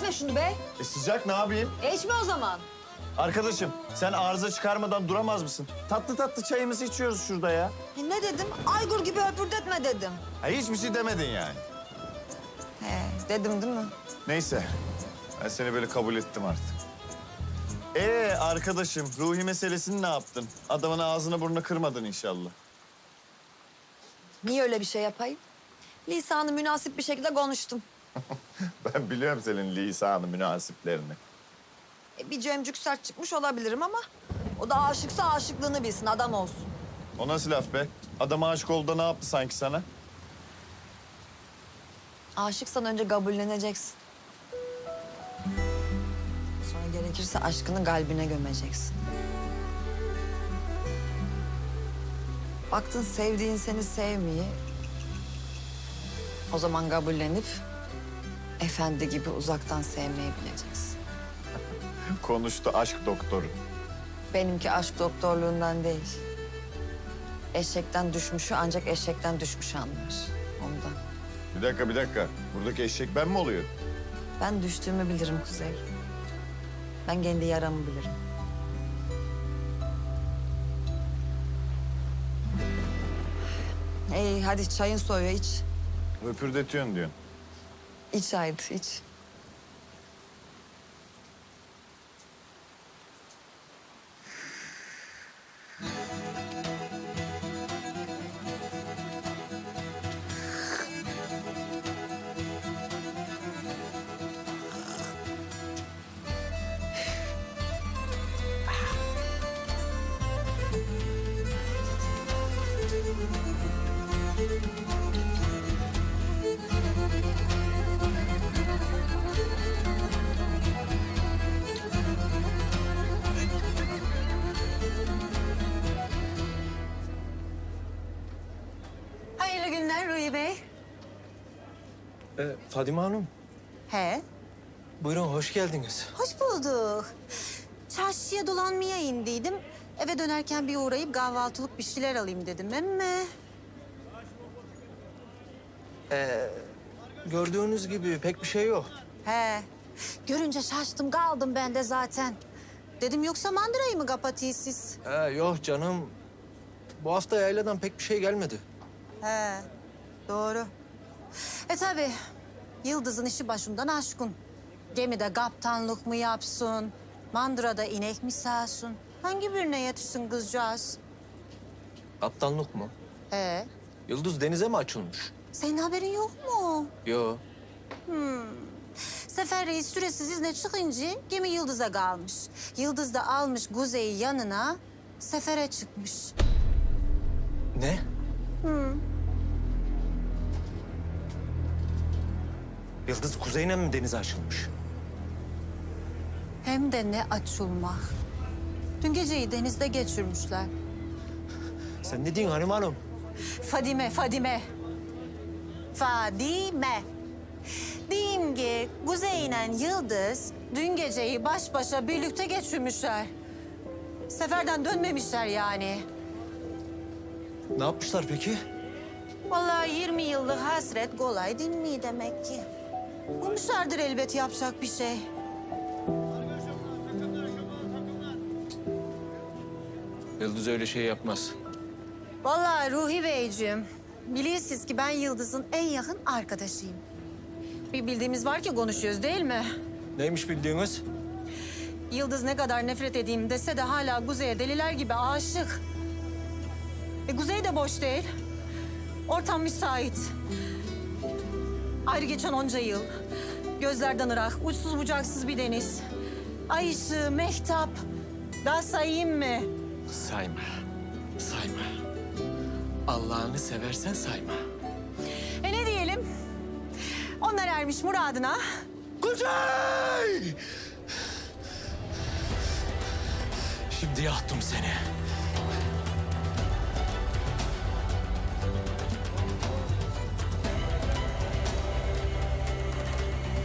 içme şunu be. Sıcak ne yapayım? İçme o zaman. Arkadaşım sen arıza çıkarmadan duramaz mısın? Tatlı tatlı çayımızı içiyoruz şurada ya. Ne dedim? Aygur gibi öpürdetme dedim. Ha, hiçbir şey demedin yani. He, dedim değil mi? Neyse ben seni böyle kabul ettim artık. Arkadaşım Ruhi meselesini ne yaptın? Adamın ağzını burnunu kırmadın inşallah. Niye öyle bir şey yapayım? Lisanı münasip bir şekilde konuştum. Ben biliyorum senin lisanı münasiplerini. Bir cemcük sert çıkmış olabilirim ama... ...o da aşıksa aşıklığını bilsin, adam olsun. O nasıl laf be? Adam aşık oldu da ne yaptı sanki sana? Aşıksan önce kabulleneceksin. Sonra gerekirse aşkını kalbine gömeceksin. Baktın sevdiğin seni sevmiyor. O zaman kabullenip... ...efendi gibi uzaktan sevmeyi bileceksin. Konuştu aşk doktoru. Benimki aşk doktorluğundan değil. Eşekten düşmüşü ancak eşekten düşmüş anlar. Ondan. Bir dakika. Buradaki eşek ben mi oluyorum? Ben düştüğümü bilirim Kuzey. Ben kendi yaramı bilirim. Hadi çayın soğuyor, iç. Öpürdetiyorsun diyorsun. İç haydi, iç. Hayırlı günler Ruhi Bey. Fadime Hanım, He, buyurun hoş geldiniz. hoş bulduk. Çarşıya dolanmaya indiydim. Eve dönerken bir uğrayıp kahvaltılık bir şeyler alayım dedim ama... Gördüğünüz gibi pek bir şey yok. He, görünce şaştım kaldım ben de zaten. Dedim yoksa mandırayı mı kapatıyız siz? Yok canım, bu hafta yayladan pek bir şey gelmedi. He, doğru. Tabii, Yıldız'ın işi başından aşkın. Gemide kaptanlık mı yapsın, mandırada inek mi sağsın? Hangi birine yetişsin kızcağız? Kaptanlık mı? He, Yıldız denize mi açılmış? senin haberin yok mu? Yok. Sefer Reis süresiz izne çıkınca gemi Yıldız'a kalmış. Yıldız da almış Kuzey'i yanına, sefere çıkmış. Ne? Yıldız kuzeyine mi denize açılmış? Hem de ne açılmak. Dün geceyi denizde geçirmişler. Sen ne diyorsun Hanım Hanım? Fadime, Fadime. Fadime. Diyeyim ki Kuzey ile Yıldız dün geceyi baş başa birlikte geçirmişler. Seferden dönmemişler yani. Ne yapmışlar peki? Vallahi 20 yıllık hasret kolay değil mi demek ki? Bulmuşlardır elbet yapacak bir şey. Yıldız öyle şey yapmaz. Vallahi Ruhi Beyciğim, biliyorsunuz ki ben Yıldız'ın en yakın arkadaşıyım. Bir bildiğimiz var ki konuşuyoruz değil mi? Neymiş bildiğiniz? Yıldız ne kadar nefret edeyim dese de hala Kuzey'e deliler gibi aşık. Kuzey de boş değil. Ortam müsait. Ayrı geçen onca yıl. Gözlerden ırak, uçsuz bucaksız bir deniz. Ay ışığı, mehtap. Daha sayayım mı? Sayma. Sayma. Allah'ını seversen sayma. Ne diyelim? Onlar ermiş muradına. Kuzey! Şimdi yaktım seni.